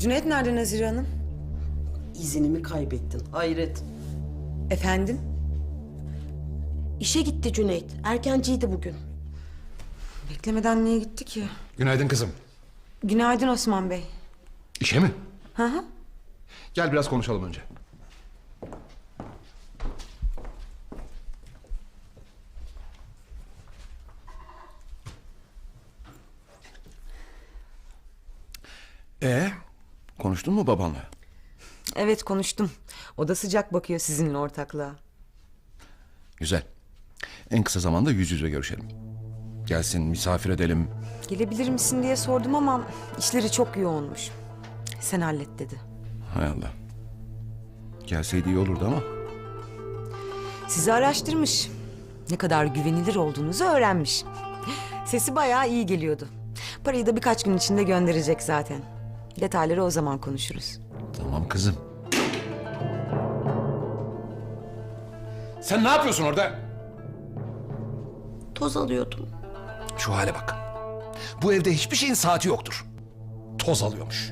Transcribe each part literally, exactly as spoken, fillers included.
Cüneyt nerede Nazire Hanım? İzinimi kaybettin. Hayret. Efendim? İşe gitti Cüneyt. Erkenciydi bugün. Beklemeden niye gitti ki? Günaydın kızım. Günaydın Osman Bey. İşe mi? Hı hı. Gel biraz konuşalım önce. Ee, konuştun mu babanla? Evet konuştum. O da sıcak bakıyor sizinle ortaklığa. Güzel. En kısa zamanda yüz yüze görüşelim. Gelsin, misafir edelim. Gelebilir misin diye sordum ama işleri çok yoğunmuş. Sen hallet dedi. Hay Allah. Gelseydi iyi olurdu ama. Sizi araştırmış. Ne kadar güvenilir olduğunuzu öğrenmiş. Sesi bayağı iyi geliyordu. Parayı da birkaç gün içinde gönderecek zaten. Detayları o zaman konuşuruz. Tamam kızım. Sen ne yapıyorsun orada? Toz alıyordum. Şu hale bak. Bu evde hiçbir şeyin saati yoktur. Toz alıyormuş.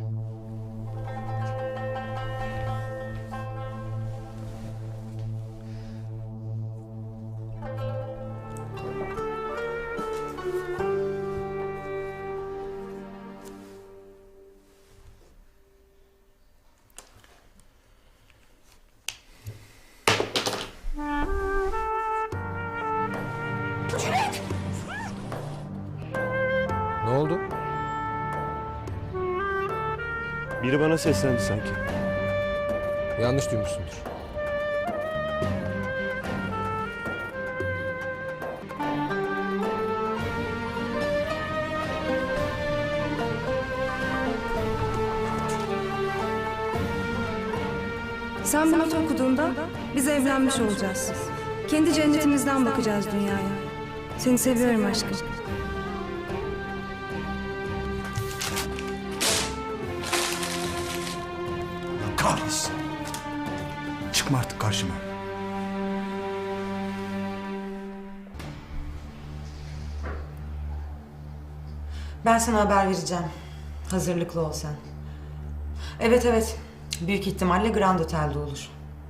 Ne oldu? Biri bana seslendi sanki. Yanlış duymuşsundur. Sen bu notu okuduğunda biz evlenmiş olacağız. Kendi cennetimizden bakacağız dünyaya. Seni seviyorum aşkım. Kahretsin. Çıkma artık karşıma. Ben sana haber vereceğim. Hazırlıklı ol sen. Evet evet. Büyük ihtimalle Grand Otel'de olur.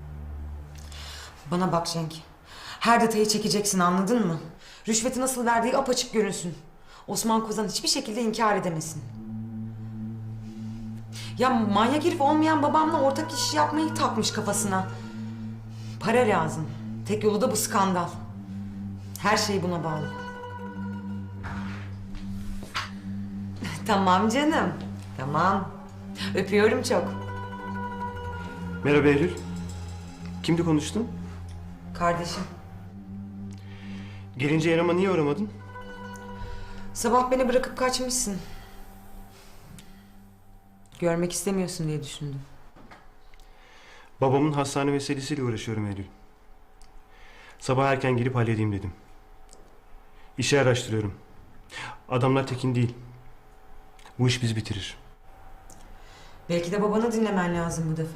Bana bak Cenk. Her detayı çekeceksin, anladın mı? Rüşveti nasıl verdiği apaçık görünsün. Osman Kozan hiçbir şekilde inkar edemesin. Ya manyak herif olmayan babamla ortak iş yapmayı takmış kafasına. Para lazım. Tek yolu da bu skandal. Her şey buna bağlı. Tamam canım. Tamam. Öpüyorum çok. Merhaba Eylül. Kimdi konuştun? Kardeşim. Gelince yanıma niye uğramadın? Sabah beni bırakıp kaçmışsın. Görmek istemiyorsun diye düşündüm. Babamın hastane meselesiyle uğraşıyorum Eylül. Sabah erken gelip halledeyim dedim. İşi araştırıyorum. Adamlar tekin değil. Bu iş bizi bitirir. Belki de babanı dinlemen lazım bu defa.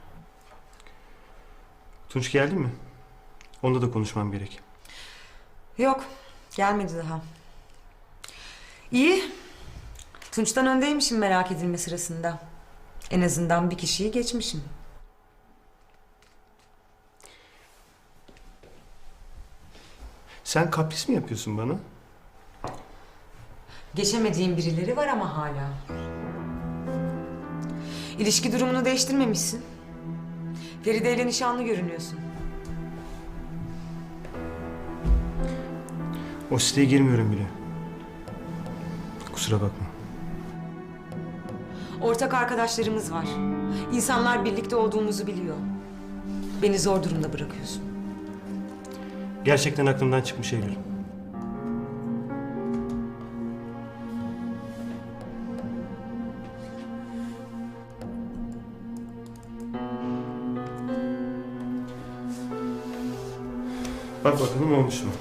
Tunç geldi mi? Onunla da konuşmam gerek. Yok, gelmedi daha. İyi. Tunç'tan öndeymişim merak edilme sırasında. En azından bir kişiyi geçmişim. Sen kapris mi yapıyorsun bana? Geçemediğim birileri var ama hala. İlişki durumunu değiştirmemişsin. Feride ile nişanlı görünüyorsun. O siteye girmiyorum bile. Kusura bakma. Ortak arkadaşlarımız var. İnsanlar birlikte olduğumuzu biliyor. Beni zor durumda bırakıyorsun. Gerçekten aklımdan çıkmış Eylül. Bak bakalım olmuş mu?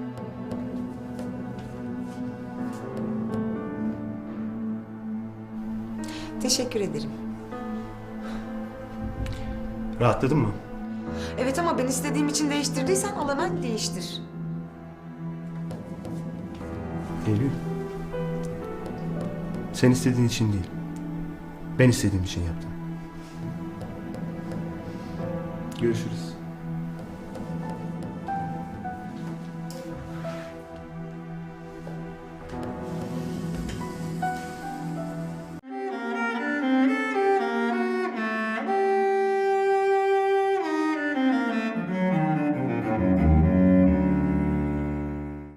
Teşekkür ederim. Rahatladın mı? Evet ama ben istediğim için değiştirdiysen al hemen değiştir. Eylül. Sen istediğin için değil. Ben istediğim için yaptım. Görüşürüz.